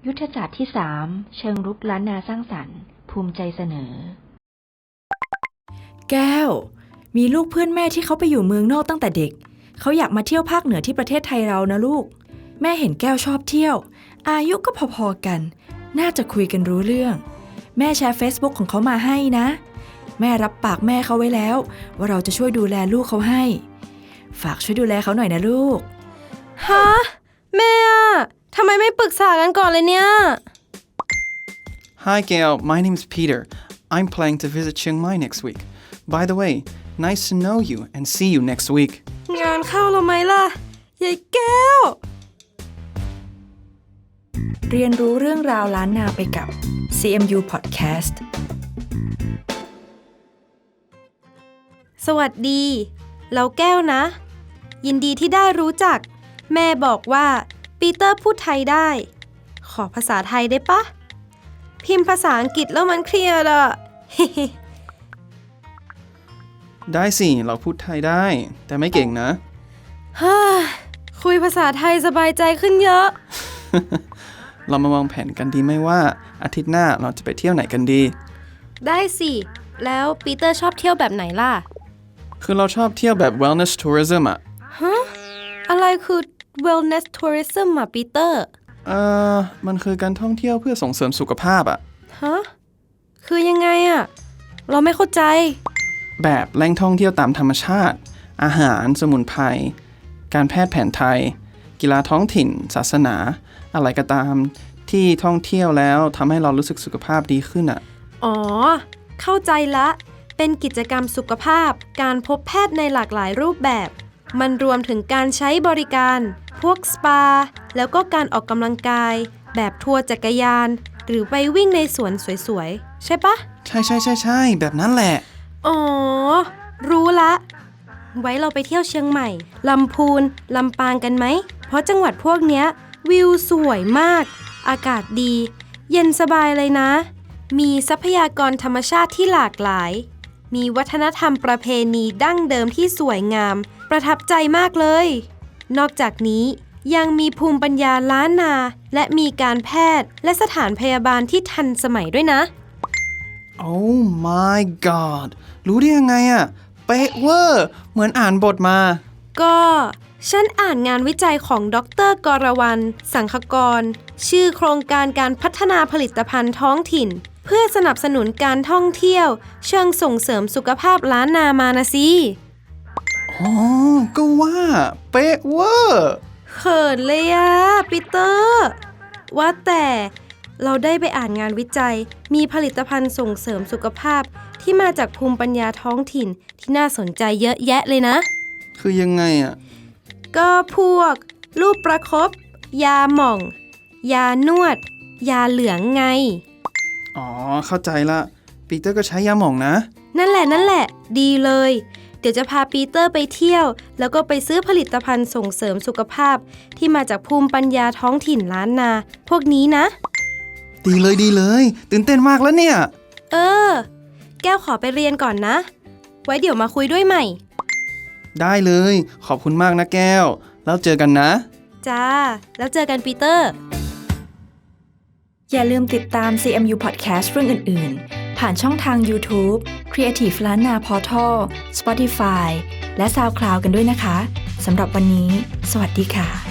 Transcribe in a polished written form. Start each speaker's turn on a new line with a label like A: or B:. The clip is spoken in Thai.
A: ยุทธศาสตร์ที่ 3 เชิงรุกล้านนาสร้างสรรค์ภูมิใจเสนอ
B: แก้วมีลูกเพื่อนแม่ที่เขาไปอยู่เมืองนอกตั้งแต่เด็กเขาอยากมาเที่ยวภาคเหนือที่ประเทศไทยเรานะลูกแม่เห็นแก้วชอบเที่ยวอายุก็พอๆกันน่าจะคุยกันรู้เรื่องแม่แชร์ Facebook ของเขามาให้นะแม่รับปากแม่เขาไว้แล้วว่าเราจะช่วยดูแลลูกเขาให้ฝากช่วยดูแลเขาหน่อยนะลูก
C: ฮะแม่ทำไมไม่ปรึกษากันก่อนเลยเนี่ย
D: Hi Gail, my name's Peter. I'm planning to visit Chiang Mai next week. By the way, nice to know you and see you next week.
C: งานเข้าแล้วไหมล่ะยายแก้ว
B: เรียนรู้เรื่องราวล้านนาไปกับ CMU Podcast
C: สวัสดีเราแก้วนะยินดีที่ได้รู้จักแม่บอกว่าปีเตอร์พูดไทยได้ขอภาษาไทยได้ปะพิมพ์ภาษาอังกฤษแล้วมันเครียดอะ
D: ได้สิเราพูดไทยได้แต่ไม่เก่งนะ
C: ฮ่าคุยภาษาไทยสบายใจขึ้นเยอะ
D: เรามาวางแผนกันดีไหมว่าอาทิตย์หน้าเราจะไปเที่ยวไหนกันดี
C: ได้สิแล้วปีเตอร์ชอบเที่ยวแบบไหนล่ะ
D: คือเราชอบเที่ยวแบบ wellness tourism อะ
C: ฮะอะไรคือ wellness tourism อะปีเตอร์
D: มันคือการท่องเที่ยวเพื่อส่งเสริมสุขภาพอะ
C: ฮะคือยังไงอะเราไม่เข้าใจ
D: แบบแหล่งท่องเที่ยวตามธรรมชาติอาหารสมุนไพรการแพทย์แผนไทยกีฬาท้องถิ่นศาสนาอะไรก็ตามที่ท่องเที่ยวแล้วทำให้เรารู้สึกสุขภาพดีขึ้นอ่ะ
C: อ๋อเข้าใจละเป็นกิจกรรมสุขภาพการพบแพทย์ในหลากหลายรูปแบบมันรวมถึงการใช้บริการพวกสปาแล้วก็การออกกำลังกายแบบทัวร์จักรยานหรือไปวิ่งในสวนสวยๆใช่ปะ
D: ใช่แบบนั้นแหละ
C: อ๋อรู้ละไว้เราไปเที่ยวเชียงใหม่ลำพูนลำปางกันไหมเพราะจังหวัดพวกเนี้ยวิวสวยมากอากาศดีเย็นสบายเลยนะมีทรัพยากรธรรมชาติที่หลากหลายมีวัฒนธรรมประเพณีดั้งเดิมที่สวยงามประทับใจมากเลยนอกจากนี้ยังมีภูมิปัญญาล้านนาและมีการแพทย์และสถานพยาบาลที่ทันสมัยด้วยนะ
D: Oh my god รู้ได้ยังไงอะเป๊ะเวอร์เหมือนอ่านบทมา
C: ก็ฉันอ่านงานวิจัยของดร.กรวรรณสังคกรชื่อโครงการการพัฒนาผลิตภัณฑ์ท้องถิ่นเพื่อสนับสนุนการท่องเที่ยวเชิงส่งเสริมสุขภาพล้านนามานะสิ
D: อ๋อก็ว่าเป๊ะเวอร์
C: เขินเลยอะปีเตอร์ว่าแต่เราได้ไปอ่านงานวิจัยมีผลิตภัณฑ์ส่งเสริมสุขภาพที่มาจากภูมิปัญญาท้องถิ่นที่น่าสนใจเยอะแยะเลยนะ
D: คือยังไงอะ
C: ก็พวกลูกประคบยาหม่องยานวดยาเหลืองไง
D: อ๋อเข้าใจละปีเตอร์ก็ใช้ยาหม่องนะ
C: นั่นแหละดีเลยเดี๋ยวจะพาปีเตอร์ไปเที่ยวแล้วก็ไปซื้อผลิตภัณฑ์ส่งเสริมสุขภาพที่มาจากภูมิปัญญาท้องถิ่นล้านนาพวกนี้นะ
D: ดีเลยตื่นเต้นมากแล้วเนี่ย
C: แก้วขอไปเรียนก่อนนะไว้เดี๋ยวมาคุยด้วยใหม่
D: ได้เลยขอบคุณมากนะแก้วแล้วเจอกันนะ
C: จ้าแล้วเจอกันปีเตอร์
B: อย่าลืมติดตาม CMU Podcast เรื่องอื่นๆผ่านช่องทาง YouTube Creative ล้านนา Portal Spotify และ SoundCloud กันด้วยนะคะสำหรับวันนี้สวัสดีค่ะ